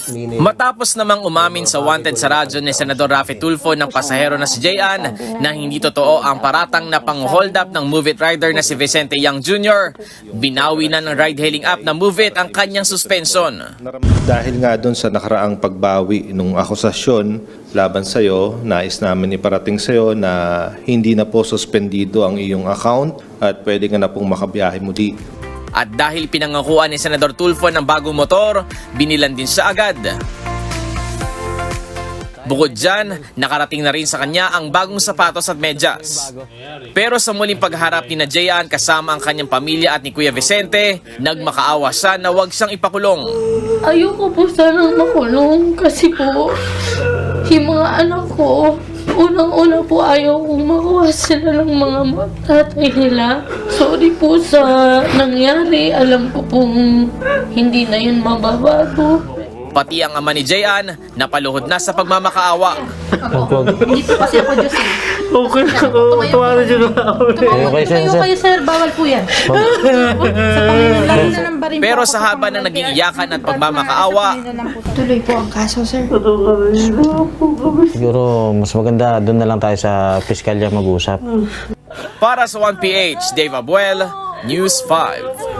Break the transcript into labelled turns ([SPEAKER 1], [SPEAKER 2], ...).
[SPEAKER 1] Matapos namang umamin sa wanted sa radyo ni Senador Raffy Tulfo ng pasahero na si Jayan na hindi totoo ang paratang na pang-hold up ng Move It rider na si Vicente Yang Jr., binawi na ng ride-hailing app na Move It ang kanyang suspension.
[SPEAKER 2] Dahil nga doon sa nakaraang pagbawi nung akusasyon laban sa'yo, nais namin iparating sa'yo na hindi na po suspendido ang iyong account at pwede ka na pong makabiyahe muli.
[SPEAKER 1] At dahil pinangakuan ni Senador Tulfo ng bagong motor, binilan din siya agad. Bukod dyan, nakarating na rin sa kanya ang bagong sapatos at medyas. Pero sa muling pagharap ni Jayan kasama ang kanyang pamilya at ni Kuya Vicente, nagmakaawa siya na huwag siyang ipakulong.
[SPEAKER 3] Ayoko po sanang makulong kasi po yung mga anak ko, unang-una po ayaw kong makuha sila ng mga tatay nila. Sorry po sa nangyari. Alam ko pong hindi na yun mababago.
[SPEAKER 1] Pati ang ama ni Jayan, napaluhod na sa pagmamakaawa.
[SPEAKER 4] Hindi po kasi ako Diyos eh.
[SPEAKER 5] Okay, tumawa siya ako.
[SPEAKER 4] Tumayo kayo sir, bawal po yan. Sa Panginoon lang na ng barin po
[SPEAKER 1] Pero
[SPEAKER 4] ako
[SPEAKER 1] sa haba ng naging iyakan at pagmamakaawa,
[SPEAKER 4] tuloy po ang kaso sir.
[SPEAKER 5] Siguro mas maganda doon na lang tayo sa piskalya mag-usap.
[SPEAKER 1] para sa 1PH, Dave Abuel, News 5.